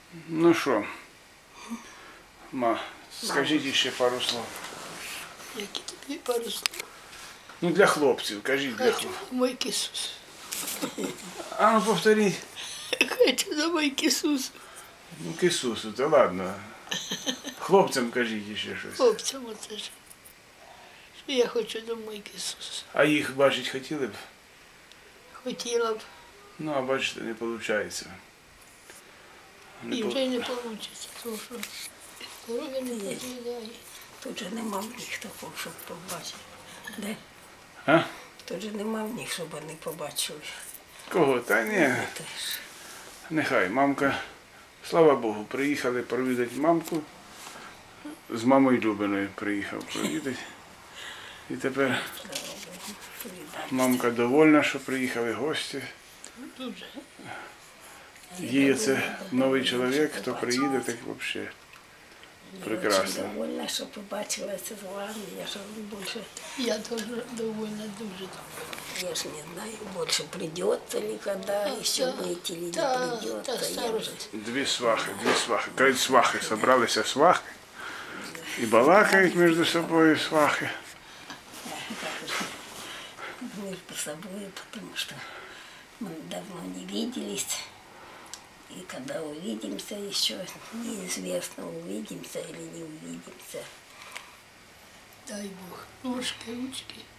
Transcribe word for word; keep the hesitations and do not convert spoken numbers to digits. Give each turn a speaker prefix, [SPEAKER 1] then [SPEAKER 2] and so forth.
[SPEAKER 1] Ну що, ма, скажіть ще пару слов.
[SPEAKER 2] Які тобі пару слов?
[SPEAKER 1] Ну для хлопців, кажіть для
[SPEAKER 2] Хочу
[SPEAKER 1] хлопців.
[SPEAKER 2] домой к Ісусу.
[SPEAKER 1] А ну повторіть.
[SPEAKER 2] Хочу домой к Ісусу.
[SPEAKER 1] Ну к Ісусу, то ладно. Хлопцям кажіть ще щось.
[SPEAKER 2] Хлопцям оце ж. Що я хочу домой к Ісусу.
[SPEAKER 1] А їх бачить хотіли б?
[SPEAKER 2] Хотіла б.
[SPEAKER 1] Ну, а бачите, не виходить.
[SPEAKER 2] І вже й не вийде, тому що здоров'я не дозволяє.
[SPEAKER 3] Тут же нема в них такого, щоб побачити. Де?
[SPEAKER 1] А?
[SPEAKER 3] Тут же нема в них, щоб вони побачили.
[SPEAKER 1] Кого? Та ні.
[SPEAKER 3] Теж.
[SPEAKER 1] Нехай, мамка, слава Богу, приїхали провідати мамку. З мамою Любиною приїхав провідати. І тепер мамка довольна, що приїхали гості.
[SPEAKER 2] Дуже.
[SPEAKER 1] Їй це новий чоловік, хто приїде, так взагалі прекрасно.
[SPEAKER 3] Я довольна, що побачилася з вами. Я ж більше,
[SPEAKER 2] Я теж довольна, дуже.
[SPEAKER 3] я ж не знаю, більше придется ли когда, ще выйти или не
[SPEAKER 2] Та, та
[SPEAKER 3] придется. Я вже
[SPEAKER 2] старость.
[SPEAKER 1] Дві свахи, дві свахи. Кажуть, свахи, зібралися свахи. І балакають між собою свахи.
[SPEAKER 3] между собой, потому что мы давно не виделись. И когда увидимся, еще неизвестно, увидимся или не увидимся.
[SPEAKER 2] Дай Бог. Ножки, ручки.